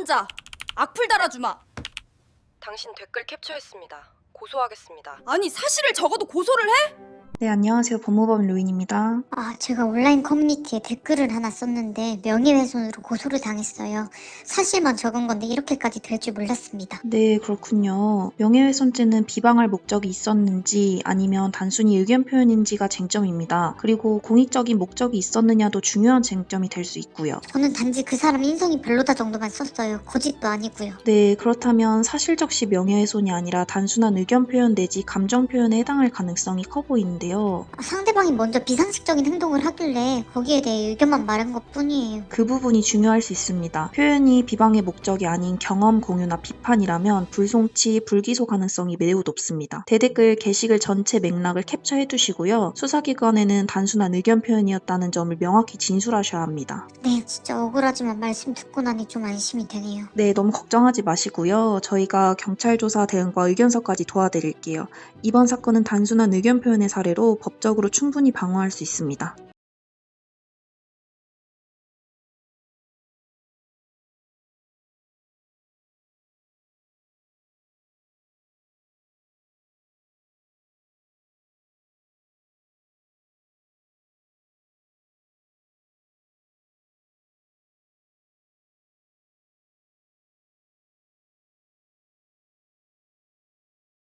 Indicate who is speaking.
Speaker 1: 남자! 악플 달아주마!
Speaker 2: 당신 댓글 캡처했습니다. 고소하겠습니다.
Speaker 1: 아니 사실을 적어도 고소를 해?
Speaker 3: 네, 안녕하세요. 법무법인 로인입니다.
Speaker 4: 제가 온라인 커뮤니티에 댓글을 하나 썼는데 명예훼손으로 고소를 당했어요. 사실만 적은 건데 이렇게까지 될 줄 몰랐습니다.
Speaker 3: 네, 그렇군요. 명예훼손죄는 비방할 목적이 있었는지 아니면 단순히 의견 표현인지가 쟁점입니다. 그리고 공익적인 목적이 있었느냐도 중요한 쟁점이 될 수 있고요.
Speaker 4: 저는 단지 그 사람 인성이 별로다 정도만 썼어요. 거짓도 아니고요.
Speaker 3: 네, 그렇다면 사실적시 명예훼손이 아니라 단순한 의견 표현 내지 감정 표현에 해당할 가능성이 커 보이는데요.
Speaker 4: 상대방이 먼저 비상식적인 행동을 하길래 거기에 대해 의견만 말한 것 뿐이에요.
Speaker 3: 그 부분이 중요할 수 있습니다. 표현이 비방의 목적이 아닌 경험 공유나 비판이라면 불송치, 불기소 가능성이 매우 높습니다. 대댓글 게시글 전체 맥락을 캡처해 두시고요. 수사기관에는 단순한 의견 표현이었다는 점을 명확히 진술하셔야 합니다.
Speaker 4: 네, 진짜 억울하지만 말씀 듣고 나니 좀 안심이 되네요.
Speaker 3: 네, 너무 걱정하지 마시고요. 저희가 경찰 조사 대응과 의견서까지 도와드릴게요. 이번 사건은 단순한 의견 표현의 사례로 법적으로 충분히 방어할 수 있습니다.